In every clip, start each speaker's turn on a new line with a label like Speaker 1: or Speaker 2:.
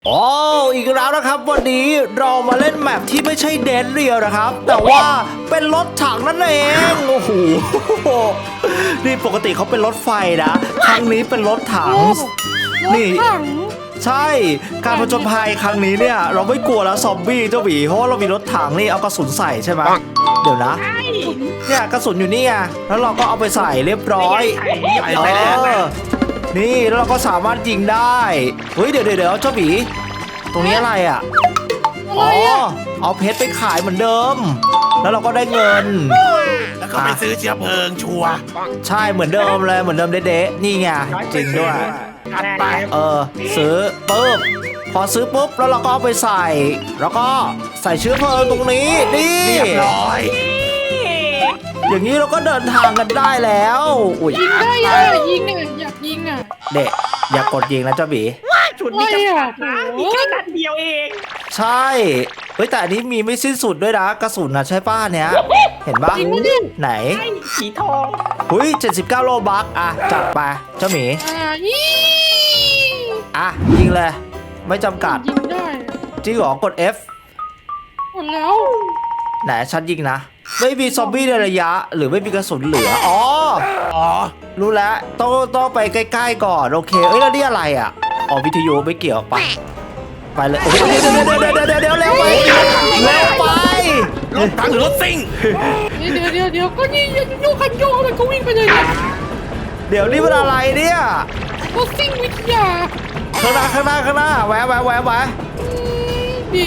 Speaker 1: อ๋ออีกแล้วนะครับวันนี้เรามาเล่นแมปที่ไม่ใช่เดนเรียลนะครับแต่ว่าเป็นรถถังนั่นเองโอ้โหนี่ปกติเขาเป็นรถไฟนะครั้งนี้เป็นรถถังนี่ใช่การผจญภัยครั้งนี้เนี่ยเราไม่กลัวแล้วซอมบี้เจ้าหวีเพราะว่าเรามีรถถังนี่เอากระสุนใส่ใช่ไหมเดี๋ยวนะเนี่ยกระสุนอยู่นี่ไงแล้วเราก็เอาไปใส่เรียบร้อยนี่แล้วเราก็สามารถยิงได้เฮ้ยเดี๋ยวเจ้าหวีตรงนี้อะไรอ่ะอ๋อเอาเพชรไปขายเหมือนเดิมแล้วเราก็ได้เงิน
Speaker 2: แล้วก็ไปซื้อเชื้อเพลิงชัวร์
Speaker 1: ใช่เหมือนเดิมเลยเหมือนเดิมเด๊ะๆนี่ไงจริงด้วย
Speaker 2: ไป
Speaker 1: ซื้อปุ๊บพอซื้อปุ๊บแล้วเราก็เอาไปใส่แล้วก็ใส่เชื้อเพลิงตรงนี้นี่
Speaker 2: เรียบร้อย
Speaker 1: อย่างนี้เราก็เดินทางกันได้แล้ว
Speaker 3: ยิงได้ยิงเนี่ยอยากยิงอ่ะ
Speaker 1: เด็กอย่ากดยิงนะเจ้าบี
Speaker 3: ชุดมีจำกัดนะ
Speaker 4: มีแค่นัดเดียวเอง
Speaker 1: ใช่เฮ้ยแต่อันนี้มีไม่สิ้นสุดด้วยนะกระสุนนะใช่ป้าเนี้ยเห็นปะไหน
Speaker 4: สีทอง
Speaker 1: เฮ้ย79โลบัคอ่ะจัดไปเจ้าหมียิงเลยไม่จำกัด
Speaker 3: ยิงได้
Speaker 1: จริงเหรอกด F
Speaker 3: หมดแล้ว
Speaker 1: ไหนฉันยิงนะไม่มีซอมบี้ในระยะหรือไม่มีกระสุนเหลืออ๋อรู้แล้วต้องไปใกล้ๆก่อนโอเคเอ้ยแล้วนี่อะไรอ่ะอ๋อวิทยุไม่เกี่ยวไปเลยเดี๋ยวเร็วไป
Speaker 2: รถถังหรือรถซิ่ง
Speaker 3: เดี๋ยวก็นี่โยกคันโยกมันก็วิ่งไปเลย
Speaker 1: เดี๋ยวนี่มันอะไรเนี่ย
Speaker 3: รถซิ่งวิทยา
Speaker 1: ข้างหน้าแวะ
Speaker 3: ดี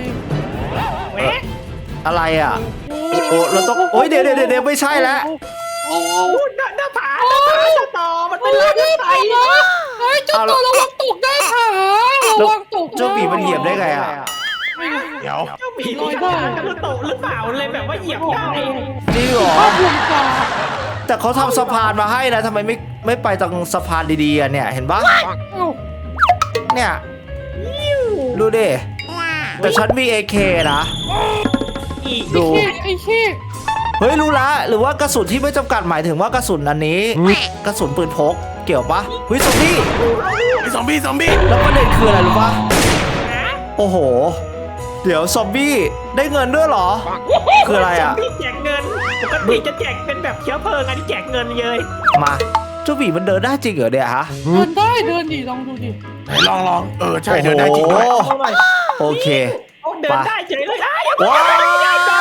Speaker 1: อะไรอ่ะโอ้เราต้องโอ้ยเดี๋ยวไม่ใช่แล้ว
Speaker 4: โอ้หน้าผาต่อมันเป็นรถไฟ
Speaker 3: เฮ้ยเจ้าต่อระวังตกได้ค่ะระวังตก
Speaker 1: เจ้าปีมันเหยียบได้ไงอ่ะ
Speaker 2: เดี๋ยว
Speaker 4: เจ้าปีลอยได้กระโดดหรือเปล่าเลยแบบว่าเหยียบได้
Speaker 1: จริงเหรอแต่เขาทำสะพานมาให้นะทำไมไม่ไปตรงสะพานดีๆเนี่ยเห็นปะเนี่ยดูดิแต่ฉันมี AK นะดูเฮ้ยรู้ละหรือว่ากระสุนที่ไม่จำกัดหมายถึงว่ากระสุนอันนี้กระสุนปืนพกเกี่ยวปะเฮ้ยซอมบี้แล้วประเด็นคืออะไรรู้ปะโอ้โหเดี๋ยวซอมบี้ได้เงินด้วยเหรอคืออะไรอ่ะ
Speaker 4: ซอมบี้แจกเงินปกติจะแจกเป็นแบบเชื้อเพลิงอันนี้แจกเงินเลย
Speaker 1: มาเจ้าบีมันเดินได้จริงเหรอเนี่ยฮะ
Speaker 3: เดินได้เดินดิลองดูดิ
Speaker 2: ลองใช่เดินได้จริงด้วย
Speaker 1: โอเค
Speaker 4: เดินได้เฉยเลยย้ายก่อน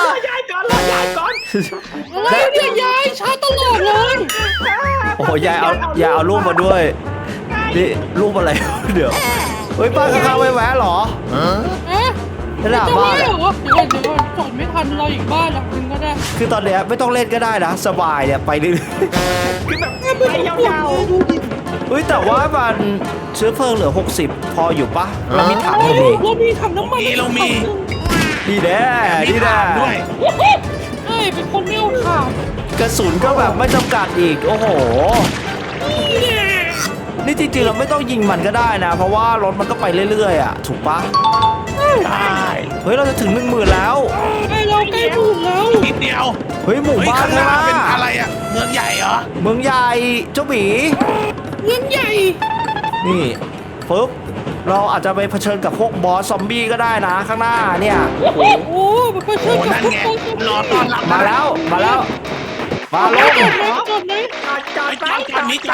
Speaker 3: อะไรเนี่ยยายช้าตลอดเลย
Speaker 1: โอ้โหยายเอารูปมาด้วยนี่รูปอะไรเดี๋ยวเฮ้ยป้าข้างๆไม่แวะหรอจะด่าบ้าน
Speaker 3: เดี๋ยวจอดไม่ทันเราอีกบ้านหลังนึงก็ได้
Speaker 1: คือตอนเนี้ยไม่ต้องเล่นก็ได้นะสบายเนี่ยไปเรื่อย
Speaker 4: ๆคือแบบไปยาว
Speaker 1: ๆเฮ้ยแต่ว่ามันเชื้อเพลิงเหลือ60พออยู่ปะเรามีถัง
Speaker 3: เรามีถังน้ำมัน
Speaker 2: เรามี
Speaker 1: ดีแน่
Speaker 2: ด้วย
Speaker 3: ใช่เป็นคนไม่เอาขาด
Speaker 1: กระสุนก็แบบไม่จำกัดอีกโอ้โหนี่จริงๆเราไม่ต้องยิงมันก็ได้นะเพราะว่ารถมันก็ไปเรื่อยๆอ่ะถูกปะ
Speaker 2: ได้
Speaker 1: เฮ้ยเราจะถึง10,000แล้ว
Speaker 3: เราใกล้หมื่นแล้ว
Speaker 2: นิดเดียว
Speaker 1: เฮ้ยหมู่บ้าน
Speaker 2: นะเป็นอะไรอ่ะเมืองใหญ่เหรอ
Speaker 1: เมืองใหญ่เจ้าหมี
Speaker 3: เมืองใหญ่
Speaker 1: นี่ปึ๊บเราอาจจะไปเผชิญกับพวกบอสซอมบี้ก็ได้นะข้างหน้าเนี่ย
Speaker 3: โอ้โหเผชิญ
Speaker 2: นั่นไงรอต้อนรับ
Speaker 1: มาแล้วมาลง
Speaker 2: จอดนี้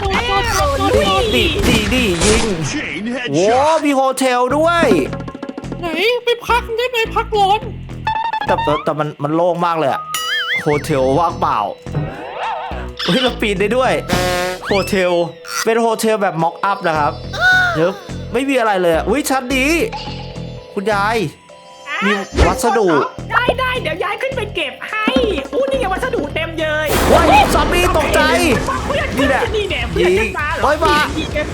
Speaker 1: ดียิงโว้มีโฮเทลด้วย
Speaker 3: ไหนไปพักได้ไหมพักร้อน
Speaker 1: แต่มันโล่งมากเลยอะโฮเทลว่างเปล่าเฮ้ยเราปีนได้ด้วยโฮเทลเป็นโฮเทลแบบม็อกอัพนะครับเดี๋ยวไม่มีอะไรเลยอุ้ยชั้นดีคุณยายมีวัสดุ
Speaker 4: ได้เดี๋ยวยายขึ้นไปเก็บให้นี่ไงวัสดุเต็มเลย
Speaker 1: ว้ายซอมบี้ตกใจนี่แหละยิงโอ้ยมา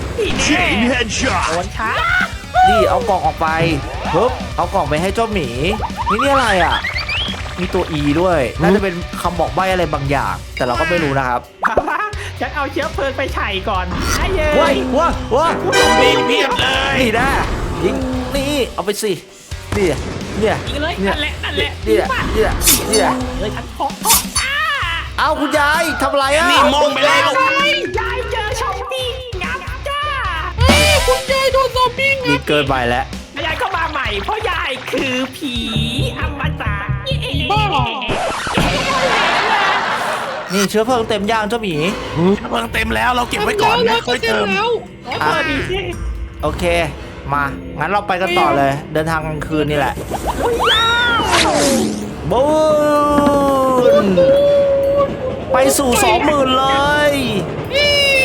Speaker 1: นี่เอากล่องออกไปปึ๊บเอากล่องไปให้เจ้าหมีนี่อะไรอ่ะมีตัว E ด้วยน่าจะเป็นคำบอกใบ้อะไรบางอย่างแต่เราก็ไม่รู้นะครับ
Speaker 4: ฉันเอาเชื้อเพลิงไปใส่ก่อนไอ้เย้
Speaker 1: ว้า
Speaker 2: มีเพียบเลย
Speaker 1: นี่นะยิงนี่เอาไปสิเนี่ย
Speaker 4: นั่นแหละเลยฉันพอ
Speaker 1: เอาคุณยายทำอะไรอ่ะ
Speaker 2: นี่มองไปแล้ว
Speaker 4: ยายเจอซอมบี้งับจ้า
Speaker 3: คุณยายโดนซอมบี้งั
Speaker 1: นี่
Speaker 3: บ
Speaker 1: เกินไปแล้ว
Speaker 4: ยายก็มาใหม่เพราะยายคือผีอมตะ
Speaker 3: บ้าเหรอ
Speaker 1: นี่เชื้อเพลิงเต็มย่างเจ้าหมี
Speaker 2: เพิ่งเต็มแล้วเราเก็บไว้ก่อนนะค่อยเติม
Speaker 3: แล้ว
Speaker 4: เออดีสิ
Speaker 1: โอเค มางั้นเราไปกันต่อเลย เดินทางกลางคืนนี่แหละบูนไปสู่20,000เลย
Speaker 3: นี่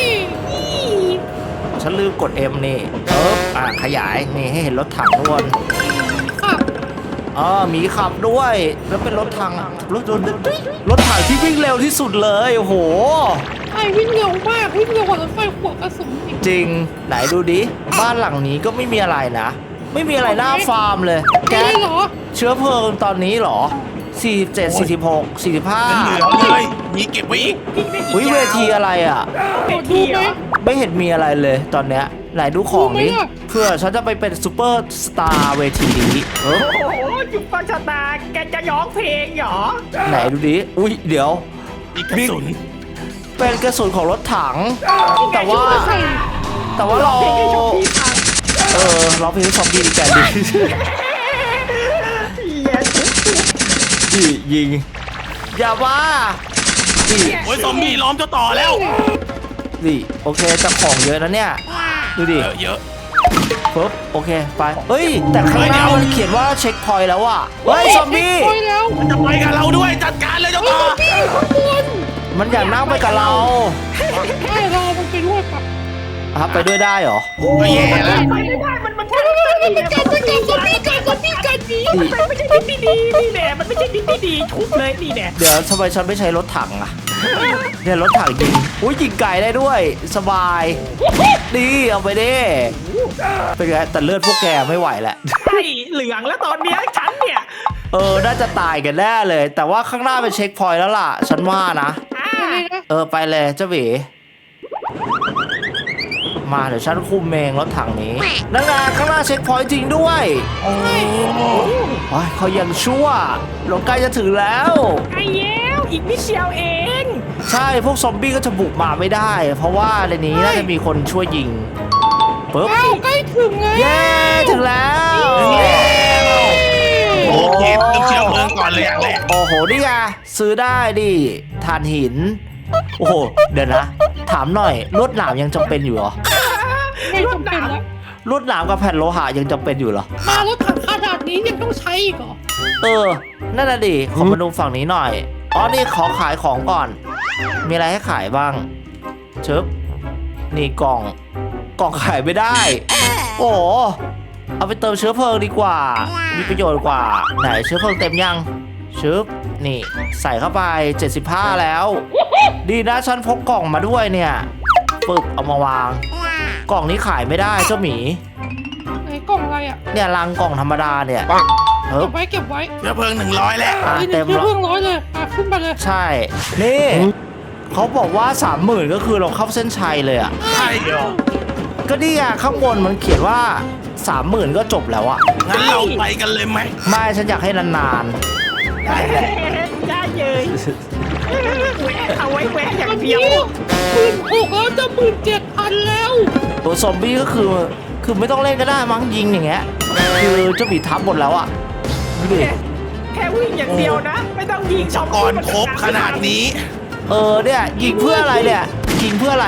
Speaker 1: ฉันลืมกด M นี่ขยายนี่ให้เห็นรถถังทุกคน
Speaker 3: ขับ
Speaker 1: มีขับด้วย แล้วเป็นรถถังรถถังที่วิ่งเร็วที่สุดเลยโอ้โห
Speaker 3: ไอ้วิ่งเร็วมากวิ่งเร็วกว่ารถไฟหัวกระสุนอีก
Speaker 1: จริงไหนดูดิบ้านหลังนี้ก็ไม่มีอะไรนะ ไม่มีอะไรน่าฟาร์มเลย
Speaker 3: แก
Speaker 1: แก๊ส
Speaker 3: เหรอ
Speaker 1: เชื้อเพลิงตอนนี้เหรอ 47 46
Speaker 2: เหลือ
Speaker 1: 45
Speaker 2: เลยมีเก็บไว้อีก
Speaker 1: อุ้ยเวทีอะไรอ่ะ
Speaker 3: โดดดูไหม
Speaker 1: ไม่เห็นมีอะไรเลยตอนเนี้ยไหนดูของนี้
Speaker 3: ดูไหมอะ
Speaker 1: เพื่อฉันจะไปเป็นซูเปอร์สตาร์เวทีนี้
Speaker 4: โอ้โหจุ๊บปังชะตาแกจะร้องเพลงเหรอ
Speaker 1: ไหนดูดิอุ้ยเดี๋ยว
Speaker 2: อีกกระสุน
Speaker 1: เป็นกระสุนของรถถัง แต่ว่า
Speaker 3: ใส่
Speaker 1: แต่ว่าเรา
Speaker 4: เพลงให้ชมพี่ฟัง
Speaker 1: ร้องเพลงให้ซอมบี้ดีแกดี
Speaker 4: เย้
Speaker 1: นี่ยิง อย่าว่านี่
Speaker 2: โอ้ยซอมบี้ล้อมเจ้าต่อแล้ว
Speaker 1: นี่โอเคแต่ของเยอะนะเนี่ย ดูดิ
Speaker 2: เยอะ
Speaker 1: ปึ๊บโอเคไปเฮ้ย แต่ข้างหน้ามันเขียนว่าเช็คพอยต์แล้วอ่ะเฮ้ยซอมบี้
Speaker 3: ไปแล้ว
Speaker 2: มันจะไปกับเราด้วยจัดการเลยเจ้าต่อ
Speaker 3: พี่ข้างบน
Speaker 1: มันอยากนั่งไปกับเรา
Speaker 3: ให้เรามันไปด้วยปะ
Speaker 1: ไปด้วยได้เหรอ
Speaker 2: ก็แย่แล้ว
Speaker 4: ไปไม่ได้มัน
Speaker 3: มันกัดซอมบี้กัดหนี
Speaker 4: มันไม่ใช่ดิบดีนี่แหละมันไม่ใช่ดิบดีทุบเลยนี่แหละ
Speaker 1: เดี๋ยวทำไมฉันไม่ใช้รถถังอ่ะเนี่ยรถถังยิงอุ้ยยิงไก่ได้ด้วยสบายดีเอาไปดิเป็นไงแต่เลือดพวกแกไม่ไหวแหละ
Speaker 4: ใช่เหลืองแล้วตอนเนี้ยฉันเนี่ย
Speaker 1: น่าจะตายกันแน่เลย แต่ว่าข้างหน้าเป็นเช็คพอยต์แล้วล่ะ ฉันว่านะ
Speaker 3: อะไรนะ
Speaker 1: ไปเลยเจ้าหวีมาเดี๋ยวฉันคุมเองรถถังนี้นั่นไงข้างหน้าเช็คพอยต์จริงด้วย
Speaker 2: โอ้
Speaker 1: โอ้ยเขายังชั่วเราใกล้จะถึงแล้ว
Speaker 4: ไอ้เย้วอีกนิดเดียวเอง
Speaker 1: ใช่พวกซอมบี้ก็จะบุกมาไม่ได้ เพราะว่าในนี้น่าจะมีคนช่วยยิงปึ๊บ
Speaker 3: อ้าวใกล้ถึงไง
Speaker 1: เย้ถึงแล้ว
Speaker 2: โอเคต้องเชื้อเพลิงก่อนเลยอย่างแรก
Speaker 1: โอ้โหนี่ไงซื้อได้ดิถ่านหิน โอ้โหเดี๋ยวนะ ถามหน่อยลวดหนามยังจำเป็นอยู่เหรอ
Speaker 3: ไม่จำเป็นแล้ว
Speaker 1: ลวดหนามกับแผ่นโลหะยังจำเป็นอยู่เหรอ
Speaker 3: มารถถังขนาดนี้ยังต้องใช้อีกเหรอ
Speaker 1: นั่นน่ะดิขอมาดูฝั่งนี้หน่อยนี่ขอขายของก่อน มีอะไรให้ขายบ้างชึบนี่กล่องขายไม่ได้ โอ้โหเอาไปเติมเชื้อเพลิงดีกว่า มีประโยชน์กว่าไหนเชื้อเพลิงเต็มยังชึบนี่ใส่เข้าไป75แล้ว ดีนะฉันพกกล่องมาด้วยเนี่ยปึ๊บเอามาวาง กล่องนี้ขายไม่ได้เจ้าหมี
Speaker 3: ไหนกล่องอะไรอ่ะ
Speaker 1: เนี่ยลังกล่องธรรมดาเนี่ย
Speaker 3: เก็บไว้เก็บไว้
Speaker 2: เชื้อเพลิง100แล้ว
Speaker 3: นี่
Speaker 1: เต็ม
Speaker 3: เพื่
Speaker 1: แล้ว
Speaker 3: องร้อยเลยขึ้นไปเลย
Speaker 1: ใช่ นี่เขาบอกว่า 30,000 ก็คือเราเข้าเส้นชัยเลยอ่ะ
Speaker 2: ใช่เหรอ
Speaker 1: ก็นี่อ่ะข้างบนมันเขียนว่า 30,000 ก็จบแล้วอ่ะ
Speaker 2: งั้นเราไปกันเลยไหม
Speaker 1: ไม่ฉันอยากให้นาน
Speaker 4: ได้เลยแหวะเอาไว้แหวะอย่าง
Speaker 3: วัน
Speaker 4: เดีย
Speaker 3: นี้
Speaker 4: ว
Speaker 3: 16,000แล้วจะ17,000แล้ว
Speaker 1: ๆตัวซอมบี้ก็คือไม่ต้องเล่นก็ได้มั้งยิงอย่างเงี้ย คือเจ้าหมีทับหมดแล้วอ่ะดูดิ
Speaker 4: แค่วิ่งอย่างเดียวนะ ไม่ต้องยิงชม
Speaker 2: ก่อนครบขนาดนี้
Speaker 1: เนี่ยยิงเพื่ออะไรเนี่ย ยิงเพื่ออะไร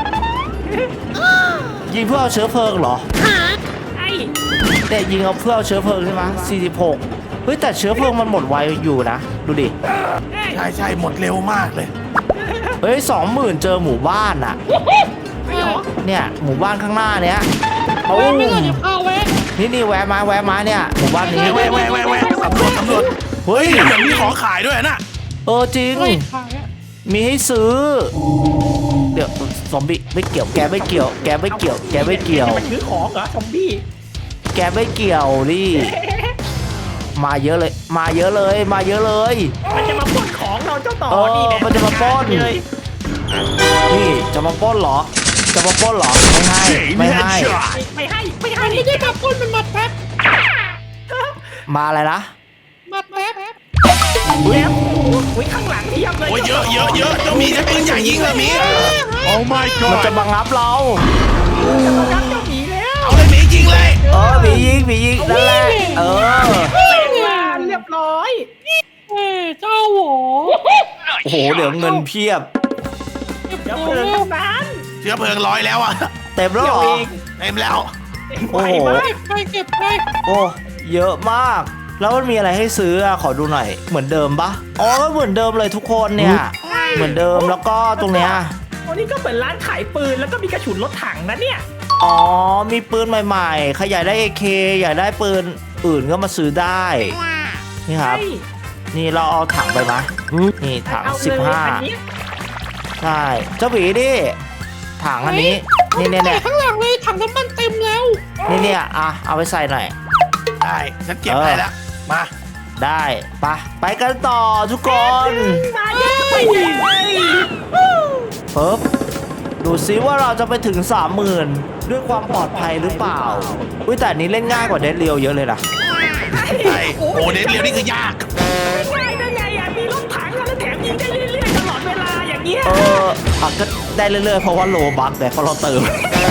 Speaker 1: ยิงเพื่อเอาเชื้อเพลิงเหรอ
Speaker 4: ไอ้
Speaker 1: เนี่ยยิงเอาเพื่อเอาเชื้อเพลิงใช่ไหม46 เฮ้ยแต่เชื้อเพลิงมันหมดไวอยู่นะ ดูดิ
Speaker 2: ใช่หมดเร็วมากเลย
Speaker 1: เฮ้ย20,000 เจอหมู่บ้านอ่ะ
Speaker 4: ไม่หรอ
Speaker 1: เนี่ยหมู่บ้านข้างหน้าเนี้ยโอ้
Speaker 3: แวะไม่เลยเดี๋ยวพาแวะ
Speaker 1: นี่แวะมาเนี่ยหมู่บ้านนี้
Speaker 2: แวะสำรวจ
Speaker 1: เฮ้ย
Speaker 2: เดี๋ยวมีของขายด้วยนะ
Speaker 1: จริง
Speaker 3: ไม่ขายอ่ะ
Speaker 1: มีให้ซื้อ เดี๋ยวซอมบี้ไม่เกี่ยวแกไม่เกี่ยวแกไม่เกี่ยวแกไม่เกี่ยว
Speaker 4: จะมาซื้อของเหรอซอมบี้
Speaker 1: แกไม่เกี่ยวดิมาเยอะเลย มาเยอะเลย มาเยอะเลย
Speaker 4: มันจะมาปล้นของเราเจ้าต่อนี่แหละ
Speaker 1: มันจะมาปล้น
Speaker 4: เลย
Speaker 1: นี่จะมาปล้นเหรอ จะมาปล้นเหรอไม่ให้
Speaker 4: ไม่ให้
Speaker 3: มันไม่ได้มาพ่นมันมาแป๊บ
Speaker 1: มาอะไรนะ
Speaker 3: มาแป๊บ
Speaker 4: แล้วอุ้ยข้างหลังเทียบเลย
Speaker 2: โอ้ยเยอะเจ้ามีใช้ปืนใหญ่ยิงเลยมี
Speaker 1: มันจะมางับเรา
Speaker 4: จะมารับเจ้าหมีแล้ว
Speaker 1: ผียิงนั่นแหละเออ
Speaker 4: เรียบร้อย
Speaker 3: เจ้าหวอ
Speaker 1: โอ้โหเดี๋ยวเงินเพียบ
Speaker 4: เดี๋ยวเพลิงทั้งนั้น
Speaker 2: เชื้อเพลิงร้อยแล้วอ่ะ
Speaker 1: เต็มแล้วเหรอ
Speaker 2: เต็มแล้ว
Speaker 1: โอ้โห
Speaker 3: ไปเก็บไป
Speaker 1: โอ้เยอะมาก แล้วมันมีอะไรให้ซื้ออะขอดูหน่อยเหมือนเดิมปะอ๋อก็เหมือนเดิมเลยทุกคนเนี่ย เหมือนเดิมแล้วก็ตรงเนี้ย
Speaker 4: วันนี้ก็เหมือนร้านขายปืนแล้วก็มีกระสุนรถถังนะเนี่ย
Speaker 1: อ๋อมีปืนใหม่ๆใครอยากได้ AK อยากได้ปืนอื่นก็มาซื้อได้นี่ครับ นี่เราเอาถังไปมะนี่ถัง
Speaker 4: เอาเลยอันนี้
Speaker 1: 15ใช่เจ้าหวีดิถังอันนี้นี่เนี่ย
Speaker 3: ใส่ข้างหลังเลยถังน้ำมันเต็มแล้ว
Speaker 1: นี่เนี่ยอ่ะเอาไปใส่หน่อย
Speaker 2: ได้ฉันเก็บให้แล้วมา
Speaker 1: ได้ไปกันต่อทุกคน
Speaker 4: มาเยอะไปเลย
Speaker 1: ปึ๊บดูซิว่าเราจะไปถึง 30,000 ด้วยความปลอดภัยหรือเปล่าอุ้ยแต่อันนี้เล่นง่ายกว่าเดดเรียวเยอะเลยนะ
Speaker 2: ใช่โอ้เด็ดเรียวนี่คือยาก
Speaker 4: ง่ายได้ไงอ่ะมีรถถังแล้วแถมยิงได้เรื่อยๆตลอดเวลาอย่างเงี้ย
Speaker 1: ก็ได้เรื่อยๆเพราะว่าโลบัคแต่พอเราเติม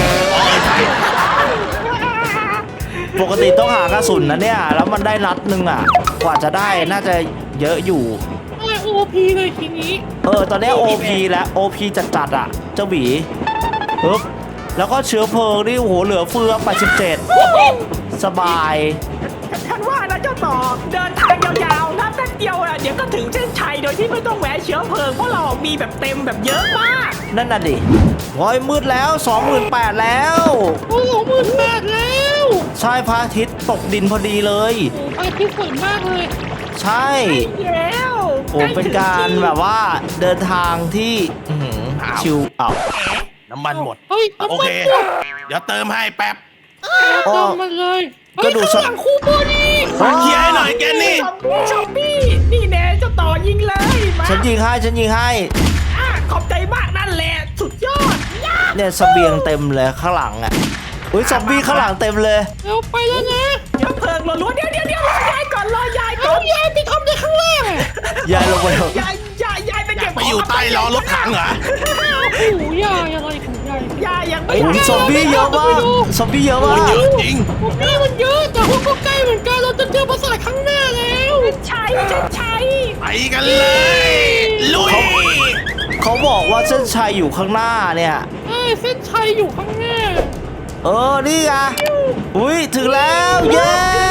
Speaker 1: ปกติต้องหากระสุนนะเนี่ยแล้วมันได้นัดหนึงอ่ะกว่าจะได้น่าจะเยอะอยู่
Speaker 3: อะไรโอพีเลยทีนี้
Speaker 1: ตอนนี้ OP แล้ว OP จัดๆอ่ะเจ้าหวีปึ๊บแล้วก็เชื้อเพลิงนี่โอ้โหเหลือเฟือ87สบาย
Speaker 4: ฉันว่านะเจ้าต่อเดินทางยาวๆนับแป๊บเดียวอ่ะเดี๋ยวก็ถึงเส้นชัยโดยที่ไม่ต้องแวะเชื้อเพลิงเพราะเรามีแบบเต็มแบบเยอะมาก
Speaker 1: นั่นน่ะดิโอ้ยมืดแล้ว 28,000 แล้ว
Speaker 3: โอ้โห18,000แล้ว
Speaker 1: ใช่พระอาทิตย์ตกดินพอดีเลย
Speaker 3: โอ้ไปที่สวยมากเลย
Speaker 1: ใช่
Speaker 4: แล้ว
Speaker 1: โอ้เป็นการแบบว่าเดินทางที่อื้อหือชิวอ้าว
Speaker 2: น้ำมันหมด
Speaker 3: เฮ้ย
Speaker 2: โอเค เดี๋ยวเติมให้แป๊บ
Speaker 3: เติมมันเลย
Speaker 1: ก็ดู
Speaker 3: ข้างหลังคูโบนี่
Speaker 2: เคลียร์ให้หน่อยแกนี่
Speaker 4: ชอปปี้นี่แน่เจ้าต่อยิงเลยมา
Speaker 1: ฉันยิงให้
Speaker 4: ขอบใจมากนั่นแหละสุดยอด
Speaker 1: เนี่ยเสบียงเต็มเลยข้างหลังอ่ะอุ้ยซอมบี้ข้างหลังเต็มเลย
Speaker 3: เร็วไปแล้วนะ
Speaker 4: เดี๋ยวเพลิงล้วนๆเดี๋ยวรอยายก่อนรอยายก่
Speaker 3: เอา
Speaker 4: อน
Speaker 3: ยายไปทำในข้างล่าง
Speaker 1: ยายลงไปเถอะ
Speaker 4: ยายไปเก็บ
Speaker 2: ไปอยู่ใต้ล้อรถถังเหรอ
Speaker 3: โอ้โหยายอะไรของยาย
Speaker 4: ยายยังไม่
Speaker 1: โอ้ยซอมบี้เยอะมากซอมบี้เยอะมาก
Speaker 2: เยอะจริง
Speaker 3: พวกนี้มันเยอะแต่ว่าก็ใกล้เหมือนกันเราจะเจอปราสาทข้างหน้าแล้ว
Speaker 4: ใช้
Speaker 2: ไปกันเลย ลุย
Speaker 1: เขาบอกว่าเส้นชัยอยู่ข้างหน้าเนี่ย
Speaker 3: เส้นชัยอยู่ข้างหน้า
Speaker 1: นี่ไงอุ้ยถึงแล้วเย้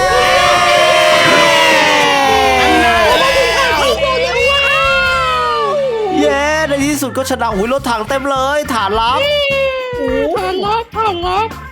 Speaker 1: เย้ในที่สุดก็ชนะอุ้ยรถถังเต็มเลยฐานลับ
Speaker 3: ฐานลับ